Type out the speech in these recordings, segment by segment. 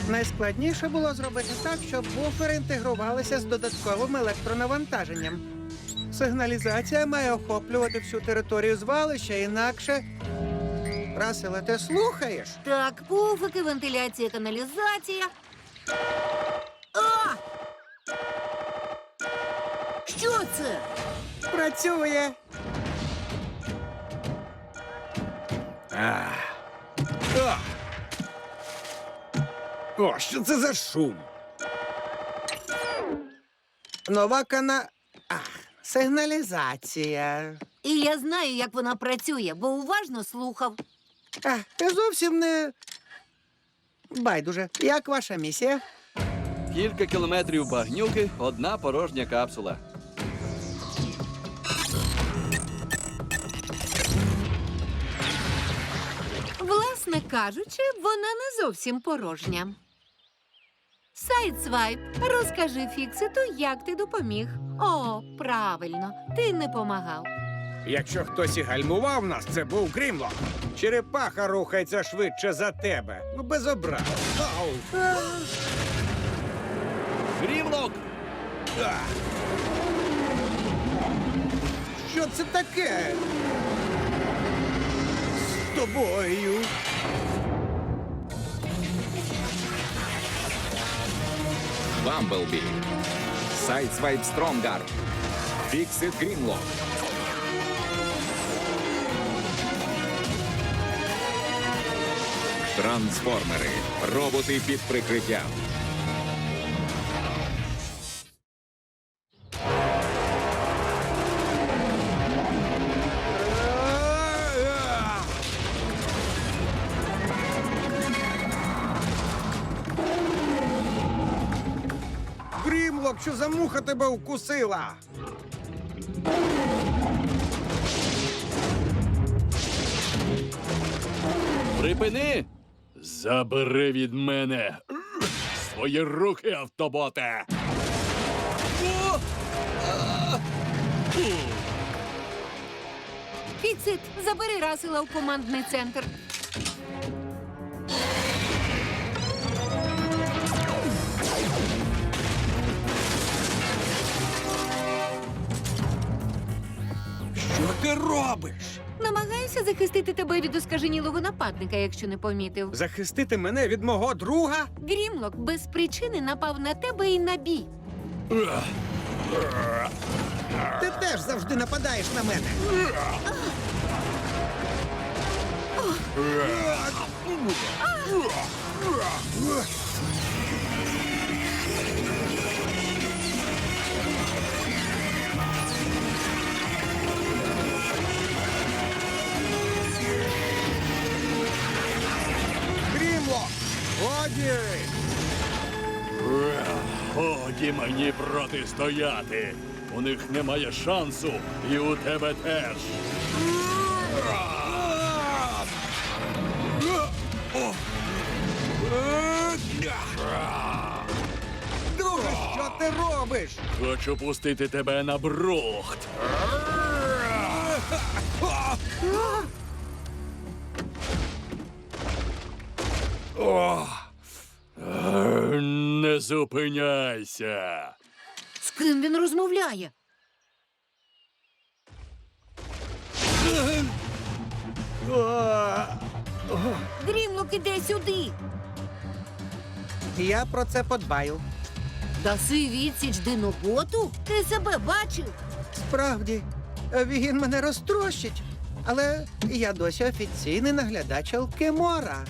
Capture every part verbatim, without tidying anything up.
Найскладніше було зробити так, щоб буфери інтегрувалися з додатковим електронавантаженням. Сигналізація має охоплювати всю територію звалища, інакше... Раселе, ти слухаєш? Так, пуфики, вентиляція, каналізація. А! Що це? Працює! А. А. О, що це за шум? Нова кана... Ах, сигналізація. І я знаю, як вона працює, бо уважно слухав. А, ти зовсім не... Байдуже. Як ваша місія? Кілька кілометрів багнюки, одна порожня капсула. Власне кажучи, вона не зовсім порожня. Сайдсвайп, розкажи Фікситу, як ти допоміг. О, правильно, ти не помагав. Якщо хтось і гальмував нас, це був Грімлок. Черепаха рухається швидше за тебе. Ну, без образ. Ау. Грімлок! А. Що це таке? З тобою. Бамблбі, Сайдсвайп Стронгард, Фіксит Грімлок. Трансформери. Роботи під прикриттям. Грімлок, що за муха тебе вкусила? Припини! Забери від мене свої руки, автоботе! Фіксит, забери Расела в командний центр. Що ти робиш? Намагаюся захистити тебе від оскаженілого нападника, якщо не помітив. Захистити мене від мого друга? Грімлок без причини напав на тебе і на бій. Ти теж завжди нападаєш на мене. Грімлок! Годі! Годі мені протистояти. У них немає шансу, і у тебе теж. Друже, що ти робиш? Хочу пустити тебе на брухт. О! Е, Не зупиняйся. З ким він розмовляє? Грімлок іде сюди. Я про це подбаю. Даси відсіч диноботу? Ти себе бачив? Справді, він мене розтрощить. Але я досі офіційний наглядач Алкемора.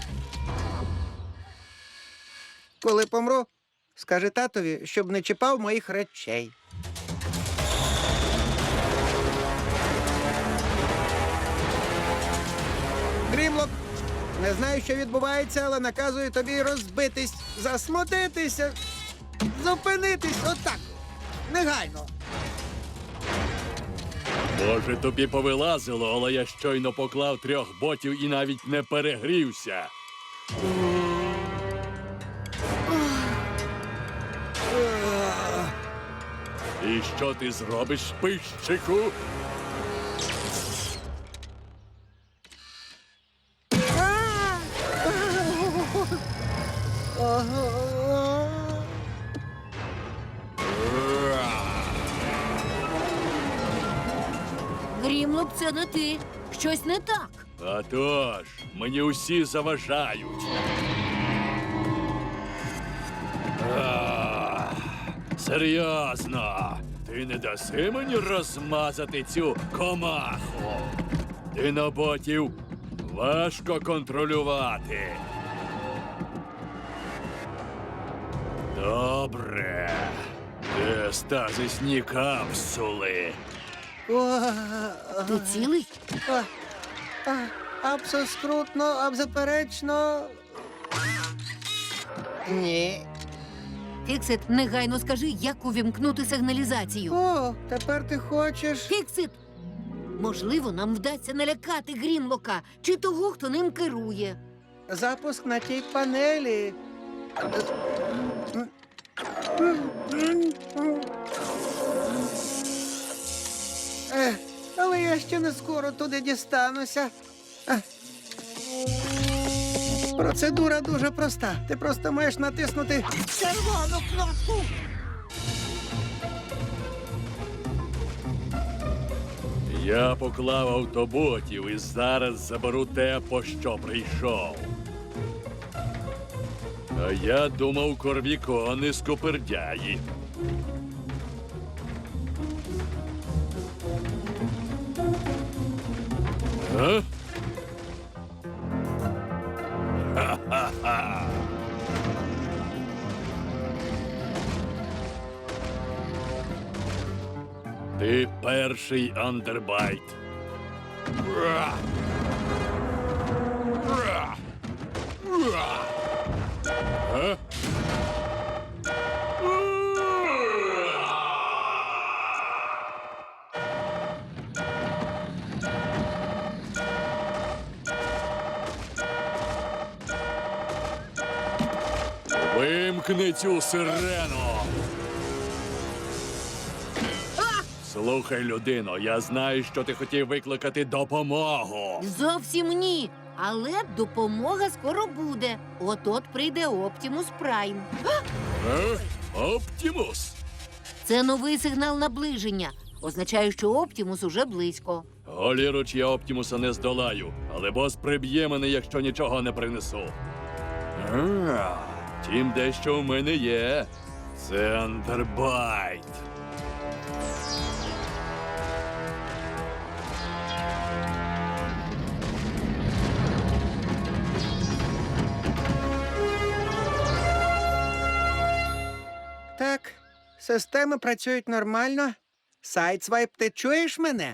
Коли помру, скажи татові, щоб не чіпав моїх речей. Грімлок, не знаю, що відбувається, але наказую тобі розбитись, засмутитися, зупинитись отак, негайно. Може, тобі повилазило, але я щойно поклав трьох ботів і навіть не перегрівся. І що ти зробиш, пищику? Грімлок, це не ти. Щось не так. А тож, мені усі заважають. Ах, серйозно, ти не даси мені розмазати цю комаху. Диноботів важко контролювати. Добре. Де стазисні капсули? Ти цілий? А, а, Абсоскрутно, абзаперечно. Ні. Фіксит, негайно скажи, як увімкнути сигналізацію. О, тепер ти хочеш. Фіксит! Можливо, нам вдасться налякати Грімлока чи того, хто ним керує. Запуск на тій панелі. Ех, але я ще не скоро туди дістануся. Ех. Процедура дуже проста. Ти просто маєш натиснути червону кнопку. Я поклав автоботів і зараз заберу те, по що прийшов. А я думав, корвікони скупердяї. А? Ха-ха-ха! Ти перший андербайт. Ура! Ура! Ура! А? Вимкни цю сирену. Слухай, людино, я знаю, що ти хотів викликати допомогу. Зовсім ні. Але допомога скоро буде. От-от прийде Оптімус Прайм. Е? Оптімус? Це новий сигнал наближення. Означає, що Оптімус уже близько. Голіруч, я Оптімуса не здолаю, але бос приб'є мене, якщо нічого не принесу. А, Тім дещо в мене є. Це андербайт. Так, системи працюють нормально. Сайдсвайп, ти чуєш мене?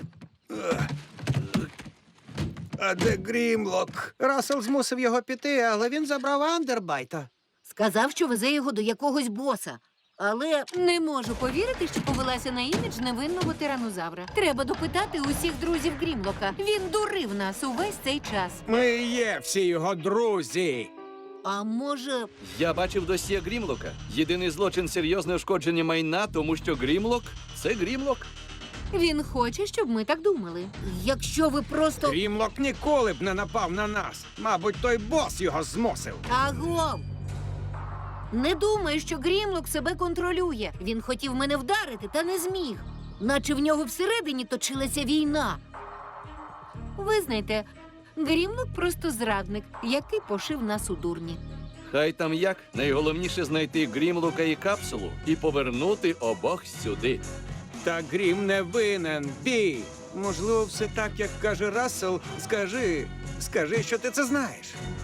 А де Грімлок? Рассел змусив його піти, але він забрав Андербайта. Сказав, що везе його до якогось боса. Але не можу повірити, що повелася на імідж невинного тиранозавра. Треба допитати усіх друзів Грімлока. Він дурив нас увесь цей час. Ми і є всі його друзі. А може, Я бачив досьє Грімлока. Єдиний злочин — серйозне ушкодження майна, тому що Грімлок — це Грімлок. він хоче, щоб ми так думали. Якщо ви просто... Грімлок ніколи б не напав на нас. Мабуть, той бос його змусив. Агов! Не думай, що Грімлок себе контролює. Він хотів мене вдарити, та не зміг. Наче в нього всередині точилася війна. Визнайте, Грімлок просто зрадник, який пошив нас у дурні. Хай там як, найголовніше знайти Грімлока і капсулу і повернути обох сюди. Та Грім не винен, Бі. Можливо, все так, як каже Рассел. Скажи, скажи, що ти це знаєш.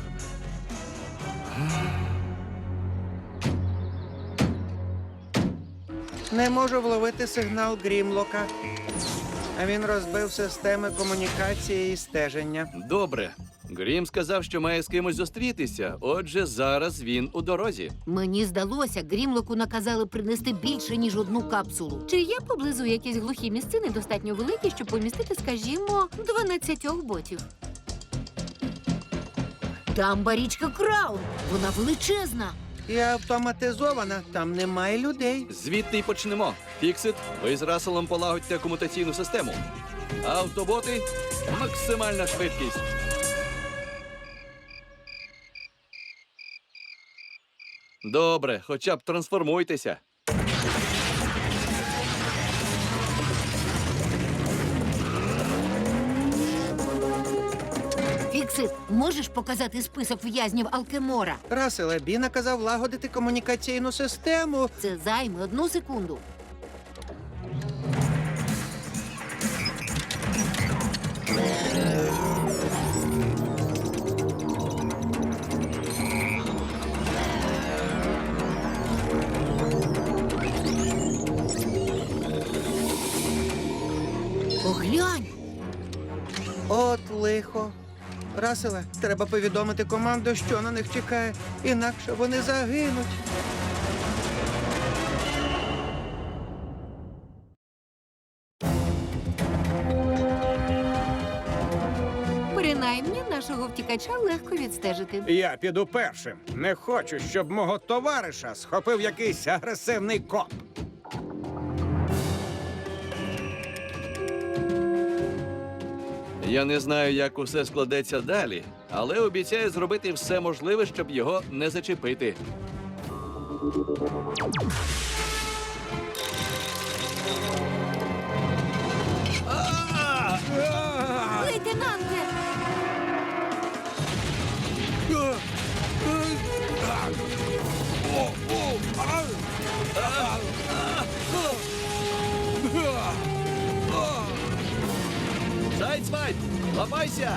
Не можу вловити сигнал Грімлока. А він розбив системи комунікації і стеження. Добре. Грім сказав, що має з кимось зустрітися, отже, зараз він у дорозі. Мені здалося, Грімлоку наказали принести більше, ніж одну капсулу. Чи є поблизу якісь глухі місцини достатньо великі, щоб помістити, скажімо, дванадцятьох ботів? Там барічка Краун. Вона величезна. І автоматизована, там немає людей. Звідти й почнемо. Фіксит, ви з Расселом полагодьте комутаційну систему. Автоботи — максимальна швидкість. Добре, хоча б трансформуйтеся. Фіксит, можеш показати список в'язнів Алкемора? Раселе, Бі наказав лагодити комунікаційну систему. Це займе одну секунду. Поглянь! От лихо. Раселе, треба повідомити команду, що на них чекає, інакше вони загинуть. Принаймні, нашого втікача легко відстежити. Я піду першим. Не хочу, щоб мого товариша схопив якийсь агресивний коп. Я не знаю, як усе складеться далі, але обіцяю зробити все можливе, щоб його не зачепити. Лейтенанте! Сайдсвайп, лапайся!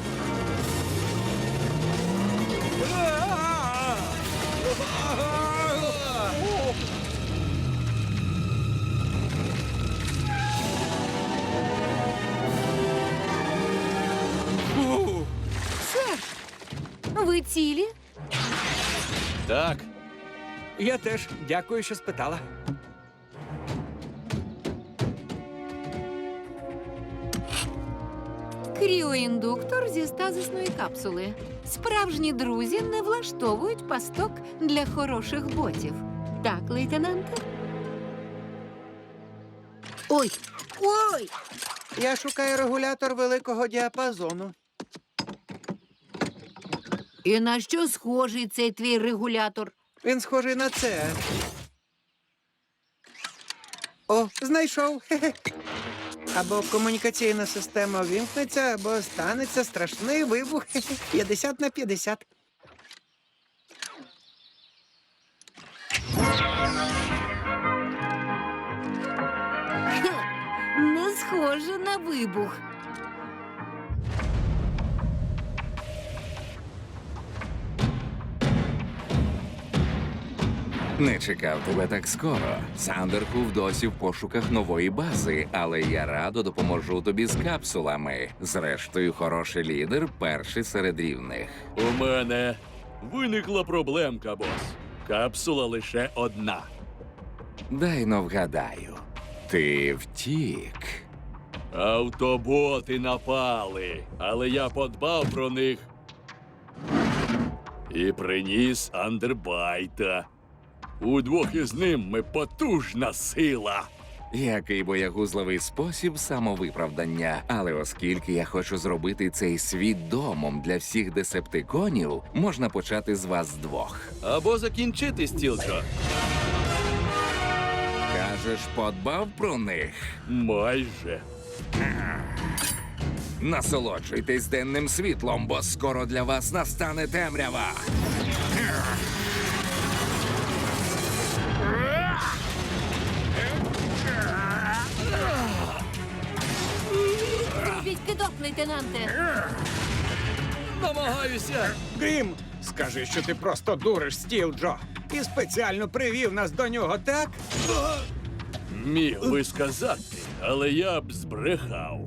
Сер, ви цілі? Так, Я теж дякую, що спитала. Кріоіндуктор зі стазисної капсули. Справжні друзі не влаштовують пасток для хороших ботів. Так, лейтенанте? Ой! Ой! Я шукаю регулятор великого діапазону. І на що схожий цей твій регулятор? Він схожий на це. О, знайшов. Хе-хе. Або комунікаційна система вімкнеться, або станеться страшний вибух. Хе-хе. п'ятдесят на п'ятдесят. Не схоже на вибух. Не чекав тебе так скоро. Сандерхуф досі в пошуках нової бази, але я радо допоможу тобі з капсулами. Зрештою, хороший лідер перший серед рівних. у мене виникла проблемка, бос. Капсула лише одна. Дай но вгадаю. Ти втік. Автоботи напали, але я подбав про них і приніс Андербайта. Удвох із ним ми потужна сила. Який боягузливий спосіб самовиправдання. Але оскільки я хочу зробити цей світ домом для всіх десептиконів, можна почати з вас двох. Або закінчити, Стілджо. Кажеш, подбав про них? Майже. Насолоджуйтесь денним світлом, бо скоро для вас настане темрява. Зробіть кидок, лейтенанте. Намагаюся. Грім, скажи, що ти просто дуриш Стіл Джо. І спеціально привів нас до нього, так? Міг би сказати, але я б збрехав.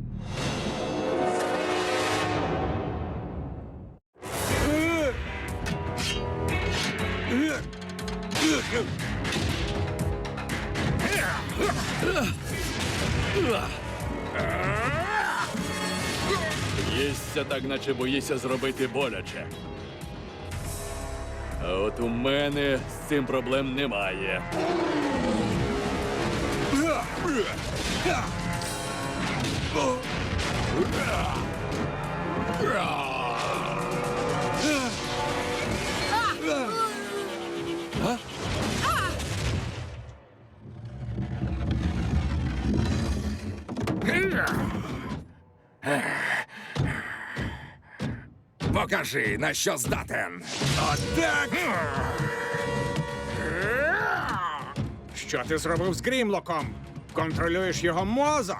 Їсться так, наче боїся зробити боляче. А от у мене з цим проблем немає. Покажи, на що здатен. Отак! Що ти зробив з Грімлоком? Контролюєш його мозок?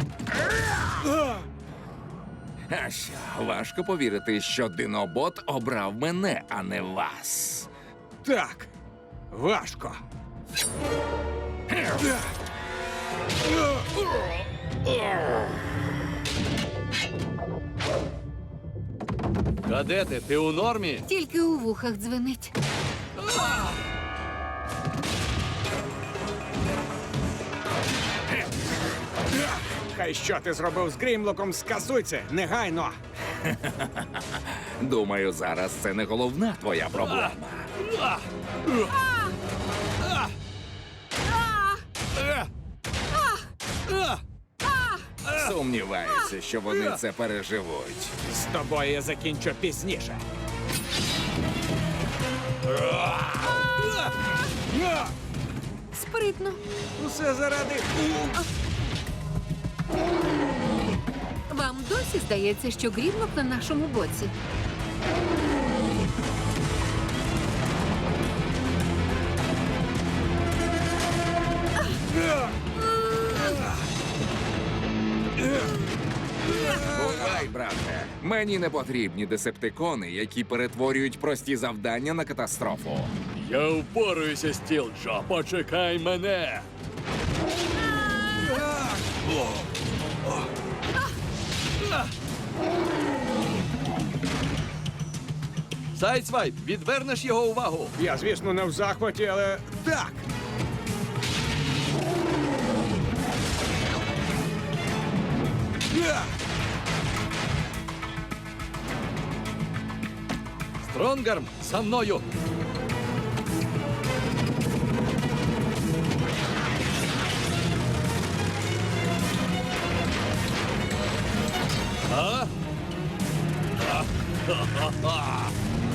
А що, важко повірити, що Динобот обрав мене, а не вас. Так, важко. Кадете, ти у нормі? Тільки у вухах дзвенить. Хай що ти зробив з Грімлоком, скасуй це, негайно. Думаю, зараз це не головна твоя проблема. Сумніваюся, що вони це переживуть. З тобою я закінчу пізніше. Спритно. Усе заради... Вам досі здається, що Грімлок на нашому боці? Бувай, брате. Мені не потрібні десептикони, які перетворюють прості завдання на катастрофу. Я впораюся, Стілджо, почекай мене. Сайдсвайп, відвернеш його увагу. Я, звісно, не в захваті, але так. Стронгарм, за мною. А? Ха-ха-ха!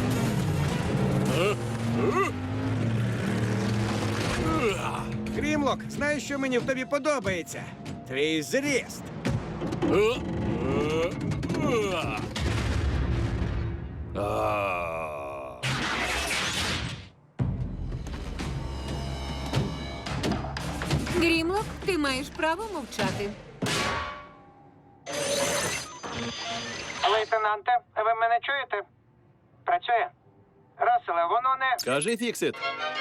Грімлок, знаєш, що мені в тобі подобається? Твій зріст. А. Грімлок, ти маєш право мовчати. Лейтенанте, ви мене чуєте? Працює? Раселе, воно не... Кажи, Фіксит.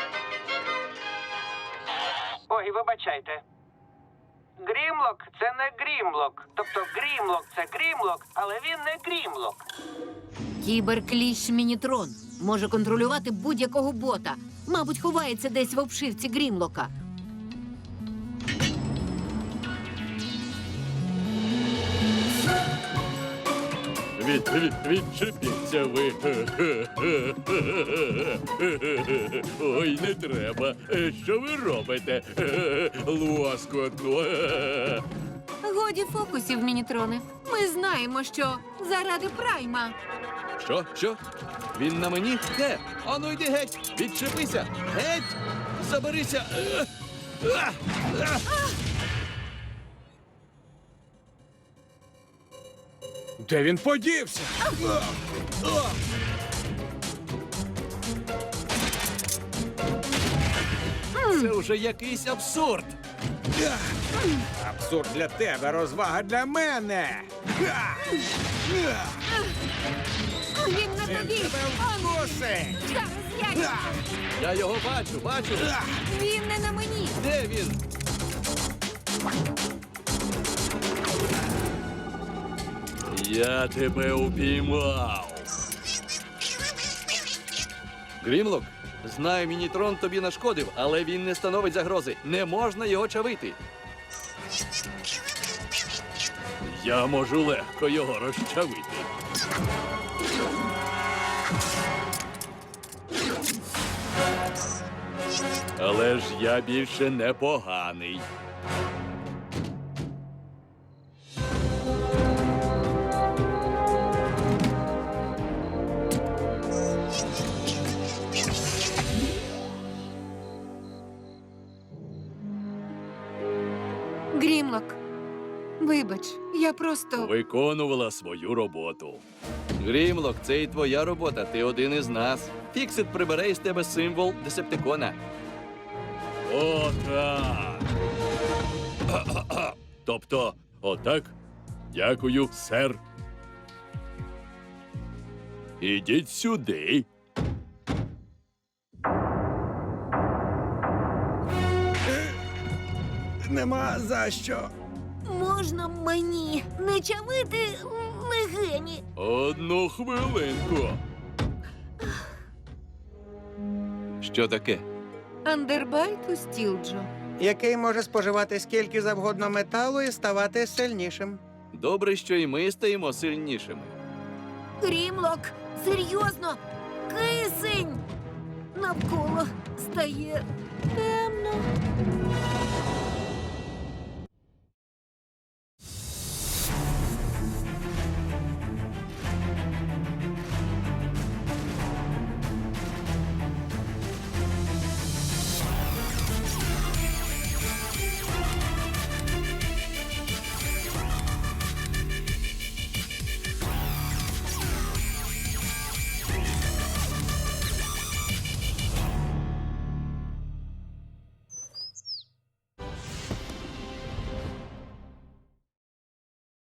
Ой, вибачайте. Грімлок – це не Грімлок. Тобто Грімлок – це Грімлок, але він не Грімлок. Кіберкліщ Мінітрон може контролювати будь-якого бота. Мабуть, ховається десь в обшивці Грімлока. Від, від, відчепіться ви. Ой, не треба. Що ви робите? Лоскотно. Годі фокусів, Мінітроне. Ми знаємо, що заради Прайма. Що? Що? Він на мені? Де? Ану йди геть! Відчепися! Геть! Заберися! Е, а, а. Де він подівся? Це вже якийсь абсурд! Абсурд для тебе, розвага для мене. Він на тобі! Он Вкуси! зараз я! Я його бачу, бачу! Він не на мені! Де він? Я тебе упіймав. Грімлок, знаю, Мінітрон тобі нашкодив, але він не становить загрози. Не можна його чавити. Я можу легко його розчавити. Але ж я більше не поганий. Грімлок, вибач, я просто... Виконувала свою роботу. Грімлок, це і твоя робота, ти один із нас. Фіксит прибере із тебе символ Десептикона. Отак. Тобто, отак? Дякую, сер. Ідіть сюди. Нема за що. Можна мені не чавити легені? Одну хвилинку. Що таке? Андербайт у Стілджо. Який може споживати скільки завгодно металу і ставати сильнішим. Добре, що і ми стаємо сильнішими. Грімлок, серйозно, кисень! Навколо стає темно.